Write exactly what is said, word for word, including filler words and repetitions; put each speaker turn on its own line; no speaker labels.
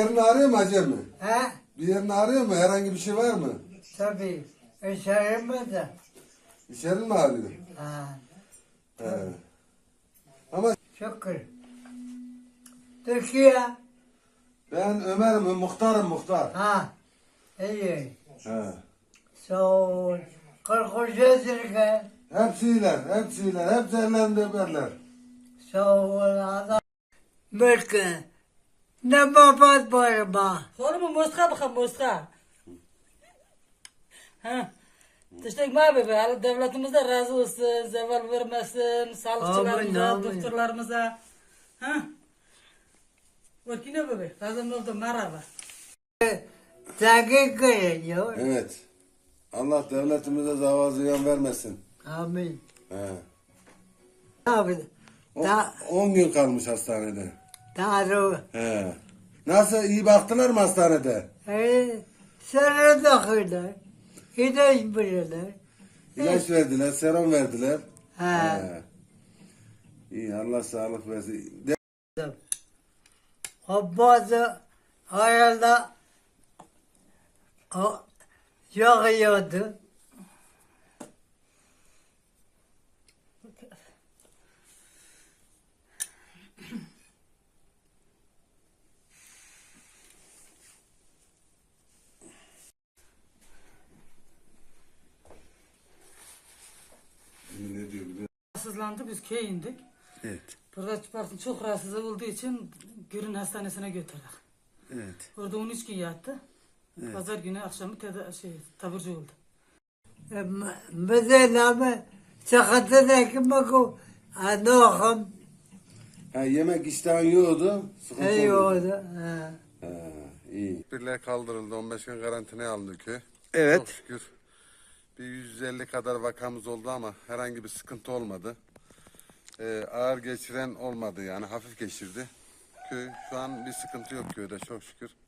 yerini ağrıyor mu Hacı mi?
He?
Bir yerini ağrıyor mu? Herhangi bir şey var mı?
Tabii. Eşeğimi de.
İçerin mi ağrıyor?
Ha.
He. Ama
Şükür. Türkiye.
ben Ömer'im, muhtarım muhtar.
Ha. İyi.
He.
Sağ ol. kırk üç yaşındayım.
Hepsiler, hepsiler, hepsi ellerinde öperler.
Sağ ol adam. Mülkü. Ne babat var bak.
Oğlum muska bakın muska. Ha. Teşekkür abi be. Allah devletimiz de razı olsun. Zeval vermesin. Sağlıkçılarımıza,
Amin, amin.
doktorlarımıza. Ha. Vakine bebe. Lazım oldu merhaba.
Takip ediyor.
Evet. Allah devletimize zavallı ziyan vermesin.
Amin.
He.
Abi.
O-
Da,
on gün kalmış hastanede.
doğru.
He. Nasıl, iyi baktılar mı hastanede?
Ee, Sarı takırlar. İlaç bilirler.
İlaç verdiler, serum verdiler.
Ha.
He. İyi, Allah sağlık versin. De-
O bazı hayalda o yağıyordu.
Ne diyor biliyor
Rahatsızlandı. Biz köye indik.
Evet.
Burada çıpartın çok rahatsız olduğu için Gürün Hastanesi'ne götürdük.
Evet.
Orada on üç gün yattı. Pazar günü akşamı teda şey, taburcu oldu.
Mesela sıkıntı baku anoğum
Ha, yemek iştahın yiyordu. Sıkıntı
iyi
oldu.
oldu. Ha.
Ha, iyi.
Birler kaldırıldı. on beş gün karantinaya alındı köy.
Evet.
Çok şükür. Bir yüz elli kadar vakamız oldu ama herhangi bir sıkıntı olmadı. Ee, ağır geçiren olmadı yani hafif geçirdi. Köy şu an bir sıkıntı yok köyde çok şükür.